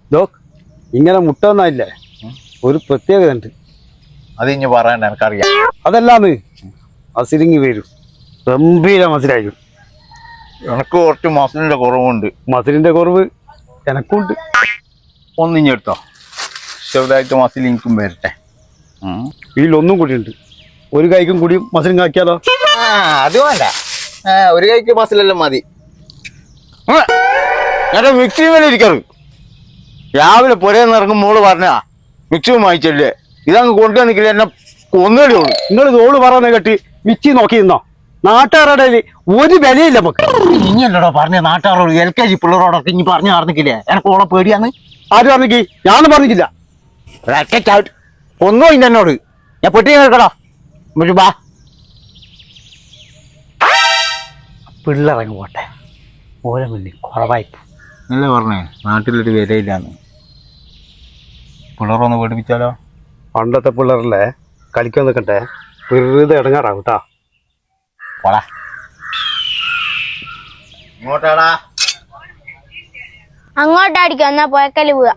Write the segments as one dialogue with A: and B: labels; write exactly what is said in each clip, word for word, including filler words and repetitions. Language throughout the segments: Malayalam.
A: ഡോക് ഇങ്ങനെ മുട്ട ഒന്നായില്ലേ ഒരു പ്രത്യേകത ഉണ്ട്.
B: അത് ഇനി പറയണ്ട, എനിക്കറിയാം.
A: അതല്ലാന്ന് മസിലിങ്ങി വരും, ഗംഭീര മസിലായിരിക്കും.
B: എനക്ക് കുറച്ച് മസിലിന്റെ കുറവുണ്ട്.
A: മസിലിന്റെ കുറവ് എനക്കുണ്ട്.
B: ഒന്നിഞ്ഞെടുത്തോ, ചെറുതായിട്ട് മസിൽ എനിക്കും വരട്ടെ.
A: ഇതിലൊന്നും കൂടി ഉണ്ട്, ഒരു കൈക്കും കൂടി മസിലും കാക്കിയാലോ?
B: അത് വേണ്ട, ഒരു കൈക്ക് മസിലെല്ലാം മതി. ഞാൻ മിക്സി മേലെ ഇരിക്കാറ്. രാവിലെ പുരേന്ന് ഇറങ്ങും മോള് പറഞ്ഞാ മിക്സി വാങ്ങിച്ചല്ലേ, ഇതങ്ങ് കൊണ്ടു നിൽക്കില്ല, എന്നെ കൊന്നേടി ഉള്ളു.
A: നിങ്ങൾ തോള് പറയുന്ന കേട്ട് മിച്ചി നോക്കി നിന്നോ? നാട്ടുകാരുടെ ഒരു വിലയില്ല നമുക്ക്.
B: ഇനിയല്ലടോ പറഞ്ഞ നാട്ടുകാരോട് എൽ കെ ജി പിള്ളേരോടൊക്കെ ഇനി പറഞ്ഞു പറഞ്ഞില്ലേ എനക്ക് ഓളെ പേടിയാന്ന്?
A: ആര് പറഞ്ഞിക്ക്? ഞാനും പറഞ്ഞിട്ടില്ല.
B: ഒന്നോ ഇല്ല എന്നോട്. ഞാൻ പെട്ടി കേൾക്കടോ ബാ.
A: പിള്ളേറങ്ങ് പോട്ടെ, ഓരോ മുന്നിൽ കുറവായി.
B: അല്ലേ പറഞ്ഞേ നാട്ടിലൊരു വിലയില്ലാന്ന്. പിള്ളേരൊന്ന് പേടിപ്പിച്ചാലോ?
A: പണ്ടത്തെ പിള്ളേരല്ലേ കളിക്കാൻ നിൽക്കട്ടെ, വെറുതെ ഇടങ്ങാറാവും കേട്ടാ.
B: പോടാ ഇങ്ങോട്ടാടാ.
C: അങ്ങോട്ടാടിക്കും, എന്നാ പോയക്കല് പോവാ.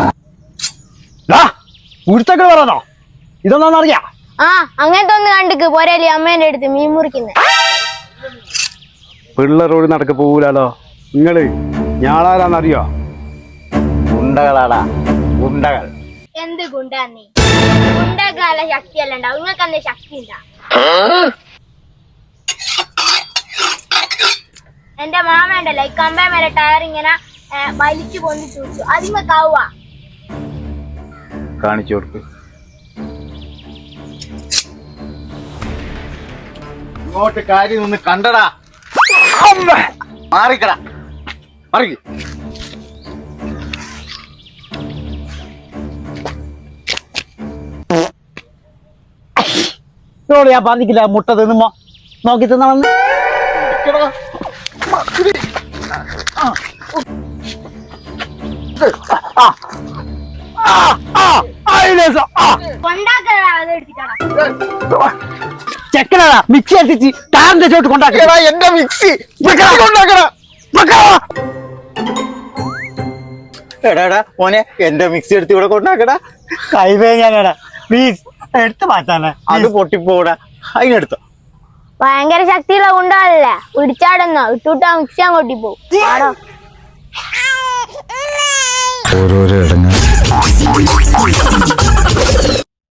A: ഉരുത്തൊക്കെ പറയാനോ? ഇതൊന്നാന്നറിയാ?
C: ആ അങ്ങനത്തെ ഒന്ന് കണ്ടിക്ക് പോരല്ലേ അമ്മേന്റെ അടുത്ത് മീൻ മുറിക്കുന്നത്.
A: പിള്ളേരോട് നടക്ക് പോകൂലോ. നിങ്ങള് ഞാളാരാന്നറിയോ?
B: ഗുണ്ടകളാടാ, ഗുണ്ടകൾ.
C: എന്ത് ഗുണ്ടാ നീ? ഗുണ്ടക്കാല ശക്തിയല്ല ഉണ്ടാവും, നിങ്ങൾക്ക് എന്താ ശക്തി ഉണ്ടാ? എന്റെ മാമണ്ടല്ലോ ഈ കമ്പേ മേലെ ടയർ ഇങ്ങനെ വലിച്ചു പൊന്തി ചൂച്ചു, അതിങ്ങക്കാവുക.
B: കാണിച്ചു കൊടുക്ക്. ഇങ്ങോട്ട് കാര്യം ഒന്ന് കണ്ടടാ. മാറിക്കടാ, മാറിക്ക്.
A: ഞാൻ പറഞ്ഞില്ല മുട്ട തിന്നുമ്പോ നോക്കി തിന്നണമെന്ന്. ചെക്കനാ മിക്സി അടിച്ച് താന്റെ ചോട്ട് കൊണ്ടാക്കടാ.
B: എന്റെ മിക്സി എടാടാ മോനെ, എന്റെ മിക്സി എടുത്ത് ഇവിടെ കൊണ്ടാക്കടാ.
A: കൈവേ ഞാനടാ, പ്ലീസ് എടുത്ത് മാറ്റാനാ.
B: അത് പൊട്ടിപ്പോടാ, അതിനെടുത്തോ.
C: ഭയങ്കര ശക്തിയുള്ള ഗുണ്ടല്ലേ, പിടിച്ചാടുന്നോ ഇട്ടുവിട്ടാ മിക്സി അങ്ങോട്ടി പോവും.
B: ഓരോരോ ഇടങ്ങൾ